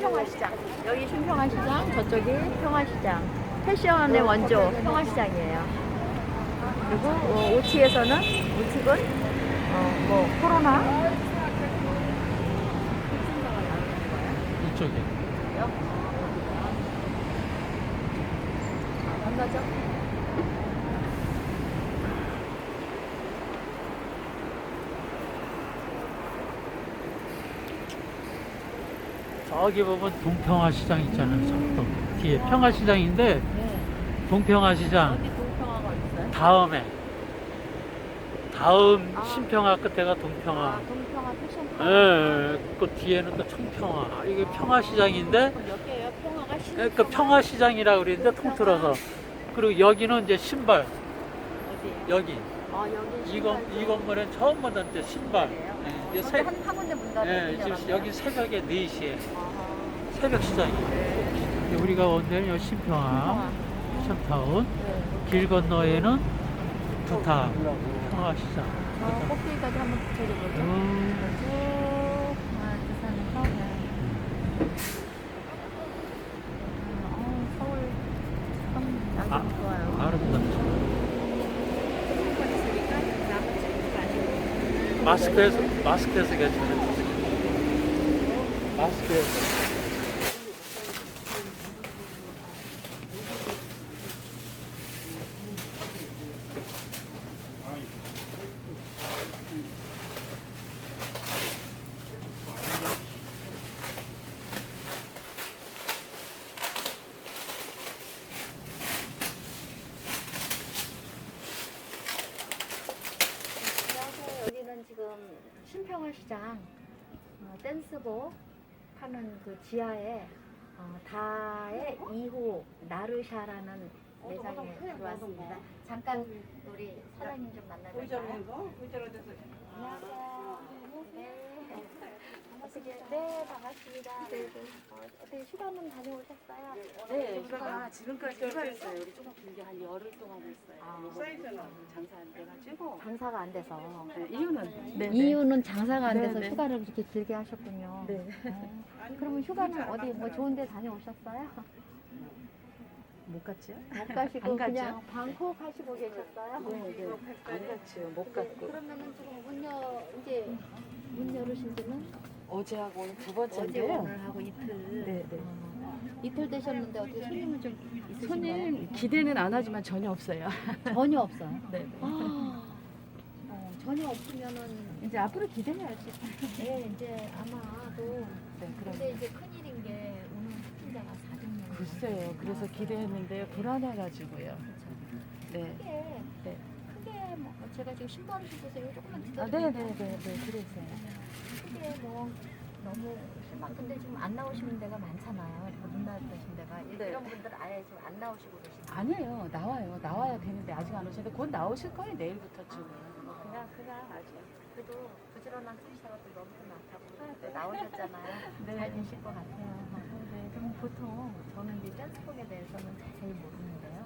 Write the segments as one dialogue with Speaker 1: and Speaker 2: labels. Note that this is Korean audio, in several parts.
Speaker 1: 신평화시장. 여기 신평화시장, 저쪽이 평화시장. 패션의 원조 평화시장이에요. 그리고 우측에서는 우측은 뭐 코로나
Speaker 2: 이쪽에.
Speaker 1: 한 가죠.
Speaker 2: 저기 보면 동평화시장 있잖아요. 저쪽 뒤에 평화시장인데
Speaker 1: 네.
Speaker 2: 동평화시장
Speaker 1: 어디 동평화가 어딨어요?
Speaker 2: 다음
Speaker 1: 아.
Speaker 2: 신평화 끝에가 동평화.
Speaker 1: 동평화 패션.
Speaker 2: 예, 그 뒤에는 또 청평화. 이게 평화시장인데
Speaker 1: 그럼 몇 개예요? 평화가
Speaker 2: 그 평화시장이라고 그러는데 통틀어서. 그리고 여기는 이제 신발.
Speaker 1: 어디?
Speaker 2: 여기
Speaker 1: 여기
Speaker 2: 이 건물엔 처음 만든 이제 신발. 예, 이제
Speaker 1: 저기 한 군데 문 닫았는데.
Speaker 2: 예, 지금 여기 새벽에 4시에
Speaker 1: 아하.
Speaker 2: 새벽 시장이에요.
Speaker 1: 네.
Speaker 2: 우리가 온 데는 여기 신평화, 패션타운.
Speaker 1: 네.
Speaker 2: 길 건너에는 두타 평화시장.
Speaker 1: 저 꼭대기까지 한번 붙여줘보죠. 쭉 두산에서 서울 참 야경 좋아요.
Speaker 2: 아름답죠. 마스크에서 괜찮아요. 마스크에서.
Speaker 1: 안녕하세요. 여기는 지금 신평화시장 댄스복 파는 그 지하에 다의 2호 나르샤라는 매장에 들어왔습니다. 잠깐 우리 사장님 좀 만나볼까요? 안녕하세요. 네, 반갑습니다. 어떻게 휴가는 다녀오셨어요?
Speaker 3: 네, 휴가 지금까지 휴가였어요. 우리 조금 길게 한 열흘 동안 했어요.
Speaker 1: 아.
Speaker 3: 장사 안 돼가지고.
Speaker 1: 장사가 안 돼서.
Speaker 3: 네, 이유는
Speaker 1: 이유는 장사가 안 돼서
Speaker 3: 네, 네.
Speaker 1: 휴가를 그렇게 길게 하셨군요.
Speaker 3: 네.
Speaker 1: 그러면 휴가는 어디 뭐 좋은 데 다녀오셨어요?
Speaker 3: 못 갔죠?
Speaker 1: 못 가시고
Speaker 3: 안 가죠.
Speaker 1: 그냥 방콕 하시고 계셨어요?
Speaker 3: 네. 안 갔죠. 못 갔고.
Speaker 1: 그러면은 지금 이제 문 열으신 지는
Speaker 3: 어제 하고 오늘 두
Speaker 1: 어제
Speaker 3: 번째인데요.
Speaker 1: 오늘 하고 이틀.
Speaker 3: 네.
Speaker 1: 이틀 되셨는데 어떻게 손님은 좀 있으신가요?
Speaker 3: 손님 기대는 안 하지만 전혀 없어요.
Speaker 1: 전혀 없어요.
Speaker 3: 네.
Speaker 1: 전혀 없으면은
Speaker 3: 이제 앞으로 기대해야지.
Speaker 1: 네, 이제 아마도
Speaker 3: 네, 그럼.
Speaker 1: 근데 이제 큰일인 게 오늘 확진자가 400명.
Speaker 3: 글쎄요. 그래서 기대했는데 불안해가지고요. 네.
Speaker 1: 크게 뭐 제가 지금 신발 주세요 조금만
Speaker 3: 아,
Speaker 1: 기다려요.
Speaker 3: 네. 그래서요.
Speaker 1: 크게 뭐 너무 실망. 근데 지금 안 나오시는 데가 많잖아요. 그리고 눈 나으신 데가
Speaker 3: 네.
Speaker 1: 이런 분들 아예 지금 안 나오시고 계시는.
Speaker 3: 아니에요. 나와야 되는데 아직 안 오시는데 곧 나오실 거예요. 내일부터쯤은.
Speaker 1: 그냥 아주 그래도 부지런한 소비자가도 너무 많다고 또 나오셨잖아요.
Speaker 3: 네.
Speaker 1: 잘 되실 것 같아요. 네, 그럼 보통 저는 이제 댄스복에 대해서는 자세히 모르는데요.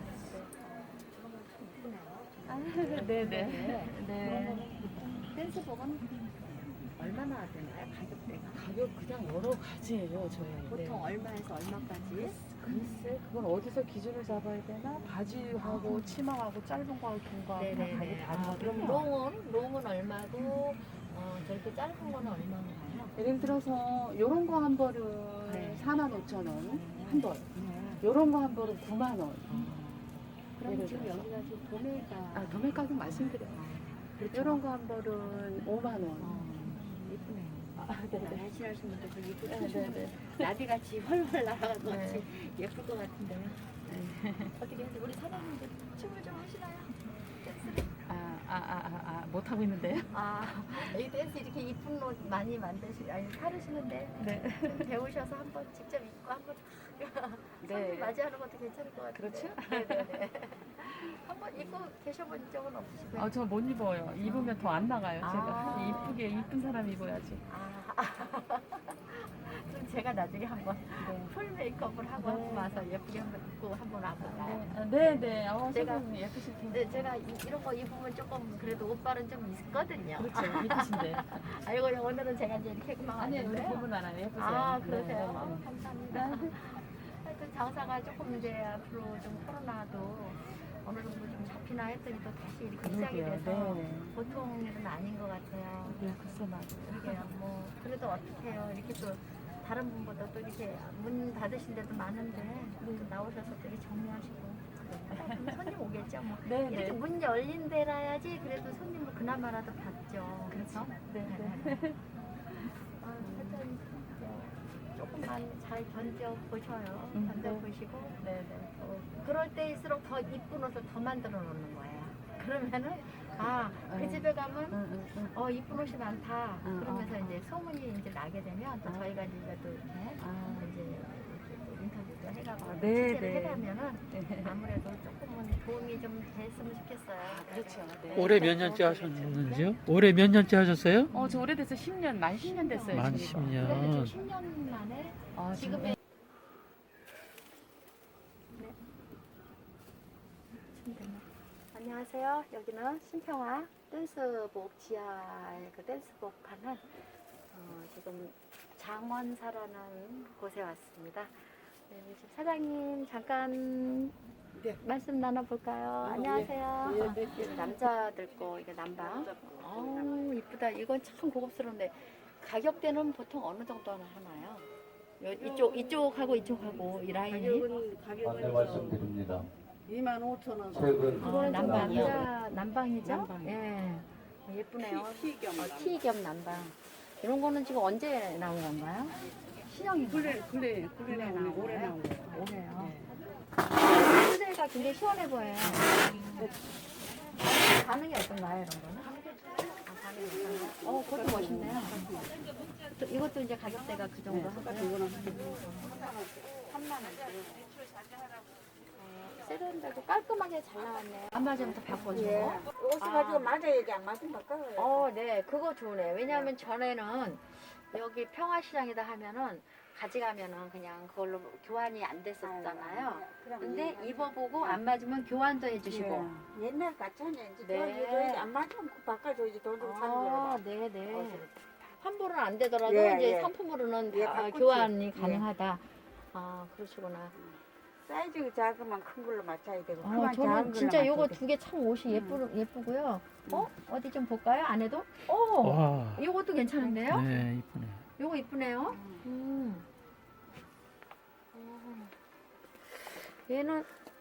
Speaker 1: 그런 거참 이쁘네요.
Speaker 3: 네.
Speaker 1: 댄스복은 얼마나 되나요? 가격대가?
Speaker 3: 가격 그냥 여러 가지예요, 저희.
Speaker 1: 보통 얼마에서 얼마까지?
Speaker 3: 글쎄, 그건 어디서 기준을 잡아야 되나? 바지하고 치마하고 짧은 거하고 긴 거하고 다 가격이
Speaker 1: 그럼
Speaker 3: 다르거든요.
Speaker 1: 롱은 얼마고 저렇게 짧은 거는 얼마인가요?
Speaker 3: 예를 들어서 요런 거 한 벌은
Speaker 1: 네.
Speaker 3: 45,000원 한 벌. 요런 거 한 벌은 9만 원.
Speaker 1: 그럼
Speaker 3: 예를
Speaker 1: 지금
Speaker 3: 들어서.
Speaker 1: 여기가 지금 도매가
Speaker 3: 도매 가격 말씀드려요.
Speaker 1: 그렇죠.
Speaker 3: 요런 거 한 벌은 5만 원.
Speaker 1: 예쁘네요. 날씬하신 분들 그 예쁘
Speaker 3: 네.
Speaker 1: 나비같이 훨훨 날아가서
Speaker 3: 네.
Speaker 1: 같이 예쁠 것 같은데요. 어떻게 해서 우리 사장님들 춤을 좀 하시나요? 댄스를?
Speaker 3: 못 하고 있는데요?
Speaker 1: 이 댄스 이렇게 이쁜 옷 많이 사르시는데
Speaker 3: 네.
Speaker 1: 좀 배우셔서 한번 직접 입고 한번 손님 맞이하는 것도 괜찮을 것 같아요.
Speaker 3: 그렇죠?
Speaker 1: 네네네. 한번 입고 계셔본 적은 없으시고요?
Speaker 3: 저 못 입어요. 입으면 더 안 나가요.
Speaker 1: 아.
Speaker 3: 제가 이쁜 사람 입어야지.
Speaker 1: 그럼 제가 나중에 한번 풀 메이크업을 하고 한번 와서 예쁘게 한번 입고 한번 와볼까요?
Speaker 3: 네네.
Speaker 1: 제가-
Speaker 3: 선생님 예쁘실 텐데.
Speaker 1: 근데 제가 이런 거 입으면 조금 그래도 옷발은 좀 있거든요.
Speaker 3: 그렇죠. 예쁘신데.
Speaker 1: 아이고 오늘은 제가 이제 이렇게만
Speaker 3: 아니 우리
Speaker 1: 왔는데.
Speaker 3: 부분 알아요. 예쁘세요.
Speaker 1: 아
Speaker 3: 네,
Speaker 1: 그러세요?
Speaker 3: 네, 네.
Speaker 1: 감사합니다. 하여튼 장사가 조금 이제 앞으로 좀 코로나도 어느 정도 좀 잡히나 했더니 또 다시 이렇게 시작이
Speaker 3: 그러게요.
Speaker 1: 돼서
Speaker 3: 네.
Speaker 1: 보통 일은 아닌 것 같아요.
Speaker 3: 네, 글쎄 맞아요.
Speaker 1: 이게 뭐 그래도 어떡해요. 이렇게 또 다른 분보다 또 이렇게 문 닫으신 데도 많은데 또 나오셔서 되게 정리하시고 그럼 손님 오겠죠 뭐.
Speaker 3: 네,
Speaker 1: 이렇게
Speaker 3: 네.
Speaker 1: 문 열린 데라야지 그래도 손님을 그나마라도 받죠. 그렇죠?
Speaker 3: 네,
Speaker 1: 하여튼 조금만 잘 견뎌 보셔요. 견뎌
Speaker 3: 네.
Speaker 1: 보시고
Speaker 3: 네, 네.
Speaker 1: 그럴 때일수록 더 이쁜 옷을 더 만들어 놓는 거예요. 그러면은 그 집에 가면 이쁜 옷이 많다. 그러면서 이제 소문이 이제 나게 되면 또 저희가 이제 또 이렇게 이제 인터뷰도 해가고
Speaker 3: 네,
Speaker 1: 취재를
Speaker 3: 네.
Speaker 1: 해가면은 아무래도 조금은 도움이 좀 됐으면 좋겠어요.
Speaker 3: 그렇죠. 네.
Speaker 2: 올해 몇 년째 하셨는지요? 올해 몇 년째 하셨어요?
Speaker 3: 저 오래돼서 10년, 만 10년 됐어요.
Speaker 2: 만
Speaker 3: 지금.
Speaker 2: 10년.
Speaker 1: 그래도 지금 10년 만에 지금의 안녕하세요. 여기는 신평화 댄스복 지하의 그 댄스복 하는 지금 장원사라는 곳에 왔습니다. 네, 지금 사장님 잠깐
Speaker 3: 네.
Speaker 1: 말씀 나눠볼까요? 안녕하세요. 이게 남자들 거 이게 남방. 이쁘다. 이건 참 고급스러운데 가격대는 보통 어느 정도 하나요? 이쪽하고 이쪽하고 이 라인이
Speaker 4: 안내 말씀드립니다.
Speaker 5: 25,000원.
Speaker 4: 최근
Speaker 1: 남방이요.
Speaker 4: 남방.
Speaker 1: 남방이죠?
Speaker 5: 남방이요.
Speaker 1: 예. 예쁘네요.
Speaker 5: 티겸.
Speaker 1: 티 겸 남방. 이런 거는 지금 언제 나온 건가요? 신형이
Speaker 5: 그래 나오네. 올해 나온 거.
Speaker 1: 올해요.
Speaker 5: 네.
Speaker 1: 소재가 굉장히 시원해 보여요. 반응이 어떤가요, 이런 거는? 반응이 어떤가요? 그것도 멋있네요. 이것도 이제 가격대가 그 정도 하고요.
Speaker 5: 이거는
Speaker 1: 3만 원. 세련되고 깔끔하게 잘 나왔네. 안 맞으면 또 바꿔주고.
Speaker 6: 옷을 가지고 맞아야지 안 맞으면 바꿔요.
Speaker 1: 네, 그거 좋네. 왜냐하면 전에는 여기 평화시장이다 하면은 가져가면은 그냥 그걸로 교환이 안 됐었잖아요. 근데 입어보고 안 맞으면 교환도 해주시고.
Speaker 6: 옛날 같잖아요. 이제
Speaker 1: 네.
Speaker 6: 교환해줘야지 안 맞으면 바꿔줘야지 돈 주고 사는 거라.
Speaker 1: 네네. 환불은 안 되더라도
Speaker 6: 예,
Speaker 1: 이제
Speaker 6: 예.
Speaker 1: 상품으로는
Speaker 6: 예,
Speaker 1: 다
Speaker 6: 바꾸지.
Speaker 1: 교환이
Speaker 6: 예.
Speaker 1: 가능하다. 그러시구나.
Speaker 6: 사이즈가 작으면 큰 걸로 맞춰야 되고 그만 작은
Speaker 1: 저는
Speaker 6: 걸로
Speaker 1: 진짜 요거
Speaker 6: 맞춰야 돼.
Speaker 1: 두 개 참 옷이 예쁘고요. 어디 좀 볼까요? 안에도?
Speaker 2: 와.
Speaker 1: 요것도 괜찮은데요?
Speaker 2: 네, 이쁘네.
Speaker 1: 요거 이쁘네요. 얘는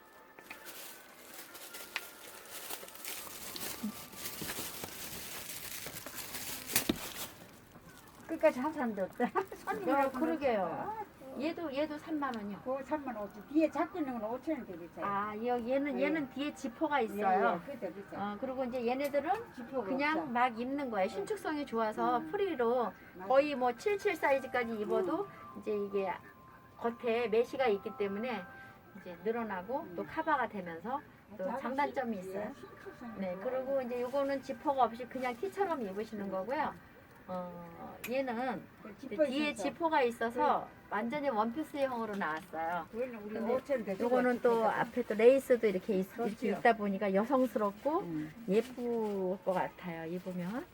Speaker 6: 끝까지 한 사람도 없다.
Speaker 1: 그러게요. 얘도 3만 원이요.
Speaker 6: 그거 3만 5천. 뒤에 잡고 있는 건 5천 원 더 비싸요.
Speaker 1: 얘는 뒤에 지퍼가 있어요.
Speaker 6: 그게 더 비싸.
Speaker 1: 그리고 이제 얘네들은
Speaker 6: 지퍼가
Speaker 1: 그냥
Speaker 6: 없어.
Speaker 1: 막 입는 거예요. 신축성이 좋아서 프리로 거의 뭐 77 사이즈까지 입어도 이제 이게 겉에 메쉬가 있기 때문에 이제 늘어나고 또 커버가 되면서 또 장단점이 있어요. 네, 그리고 이제 요거는 지퍼가 없이 그냥 티처럼 입으시는 거고요. 얘는 뒤에 지퍼가 있어서 완전히 원피스형으로 나왔어요.
Speaker 6: 그거는 우리
Speaker 1: 근데
Speaker 6: 5천 원 더 주고
Speaker 1: 요거는 또 앞에 또 레이스도 이렇게 이렇게
Speaker 6: 그렇죠.
Speaker 1: 있다 보니까 여성스럽고 예쁠 것 같아요. 입으면.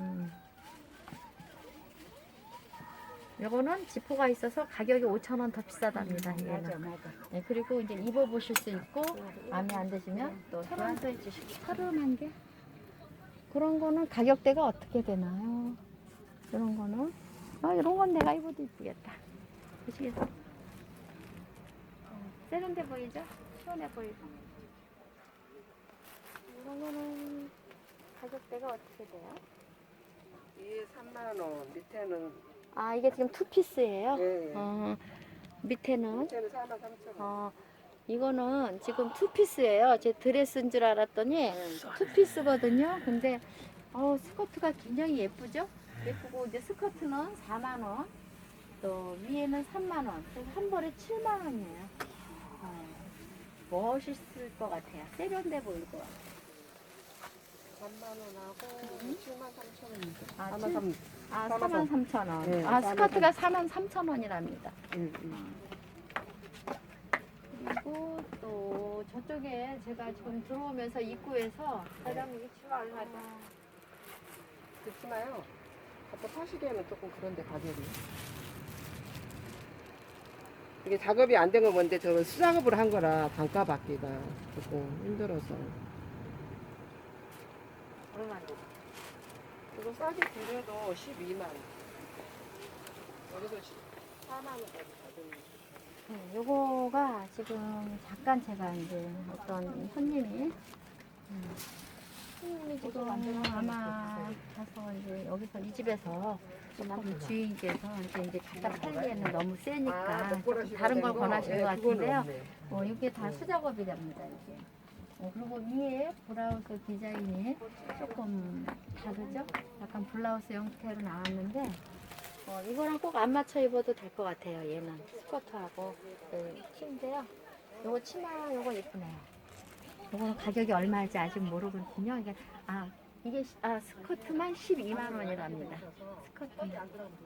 Speaker 1: 요거는 지퍼가 있어서 가격이 5,000원 더 비싸답니다.
Speaker 6: 맞아
Speaker 1: 얘는.
Speaker 6: 맞아.
Speaker 1: 네, 그리고 이제 입어보실 수 있고 마음에 안 드시면 또 교환도 해주시고. 서른한 개? 그런 거는 가격대가 어떻게 되나요? 이런 거는 이런 건 내가 입어도 이쁘겠다. 보시겠어요? 세련돼 보이죠? 시원해 보이고. 이런 거는 가격대가 어떻게 돼요?
Speaker 5: 이게 3만 원, 밑에는
Speaker 1: 이게 지금 투피스예요?
Speaker 5: 예.
Speaker 1: 밑에는
Speaker 5: 밑에는 4만 3천 원.
Speaker 1: 이거는 지금 투피스예요. 제 드레스인 줄 알았더니 투피스거든요. 근데 스커트가 굉장히 예쁘죠? 예쁘고 이제 스커트는 4만 원, 또 위에는 3만 원, 그래서 한 벌에 7만 원이에요. 멋있을 것 같아요. 세련돼 보일 것 같아요.
Speaker 5: 3만 원하고 7만 3천 원.
Speaker 1: 아,
Speaker 5: 4만
Speaker 1: 4만 3천 원.
Speaker 5: 네,
Speaker 1: 스커트가 4만 3천 원이랍니다. 그리고 또 또 저쪽에 제가 지금 들어오면서 입구에서
Speaker 5: 사장님이 치마를 하자. 그 치마요. 갖다 파시기에는 조금 그런데 가격이. 이게 작업이 안 된 건 뭔데 저거 수작업을 한 거라 단가 받기가 조금 힘들어서.
Speaker 1: 얼마죠?
Speaker 5: 이거 싸게 드려도 12만 원. 여기서 4만 원까지 받습니다.
Speaker 1: 요거가 지금 잠깐 제가 이제 어떤 손님이 지금 아마 가서 이제 여기서 이 집에서 이 주인께서 이제 갖다 팔기에는 너무 세니까 다른 걸 권하신 것 같은데요. 이게 다 수작업이랍니다. 이게. 그리고 위에 브라우스 디자인이 조금 다르죠? 약간 블라우스 형태로 나왔는데 이거랑 꼭 안 맞춰 입어도 될 것 같아요. 얘는 스커트하고 티인데요. 요거 치마 요거 예쁘네요. 요거는 가격이 얼마일지 아직 모르거든요. 이게 스커트만 12만 원이랍니다. 스커트만.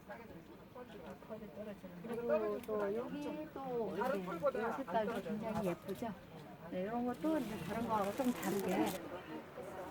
Speaker 1: 그리고 또 여기 또 이 색깔도 굉장히 예쁘죠. 네, 이런 것도 이제 다른 거하고 좀 다르게